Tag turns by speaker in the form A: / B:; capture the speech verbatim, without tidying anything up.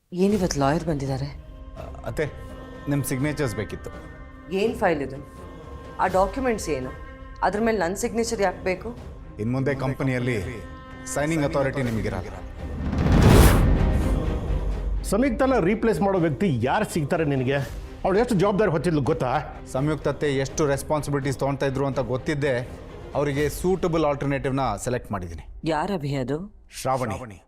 A: ಏನಿವತ್ತು ಲಾಯರ್ ಬಂದಿದ್ದಾರೆ?
B: ಅತ್ತೆ ನಿಮ್ಮ ಸಿಗ್ನೇಚರ್ಸ್ ಬೇಕಿತ್ತು.
A: ಏನು ಫೈಲ್ ಇದು? ಆ ಡಾಕ್ಯುಮೆಂಟ್ಸ್ ಏನು? ಅದ್ರ ಮೇಲೆ ನನ್ನ ಸಿಗ್ನೇಚರ್ ಯಾಕೆ ಬೇಕು?
B: ಇನ್ನು ಮುಂದೆ ಕಂಪನಿಯಲ್ಲಿ ಸೈನಿಂಗ್ ಅಥಾರಿಟಿ ನಿಮಗಿರಲ್ಲ.
C: ಸಂಯುಕ್ತನ ರೀಪ್ಲೇಸ್ ಮಾಡೋ ವ್ಯಕ್ತಿ ಯಾರು ಸಿಗ್ತಾರೆ ನಿನಗೆ? ಅವಳು ಎಷ್ಟು ಜವಾಬ್ದಾರಿ ಹೊತ್ತಿದ್ಲು ಗೊತ್ತಾ?
B: ಸಂಯುಕ್ತತೆ ಎಷ್ಟು ರೆಸ್ಪಾನ್ಸಿಬಿಲಿಟೀಸ್ ತೊಗೊಳ್ತಾ ಇದ್ರು ಅಂತ ಗೊತ್ತಿದ್ದೆ ಅವರಿಗೆ ಸೂಟಬಲ್ ಆಲ್ಟರ್ನೇಟಿವ್ನ ಸೆಲೆಕ್ಟ್ ಮಾಡಿದ್ದೀನಿ.
A: ಯಾರ ಅಭಿ ಅದು?
B: ಶ್ರಾವಣಿ.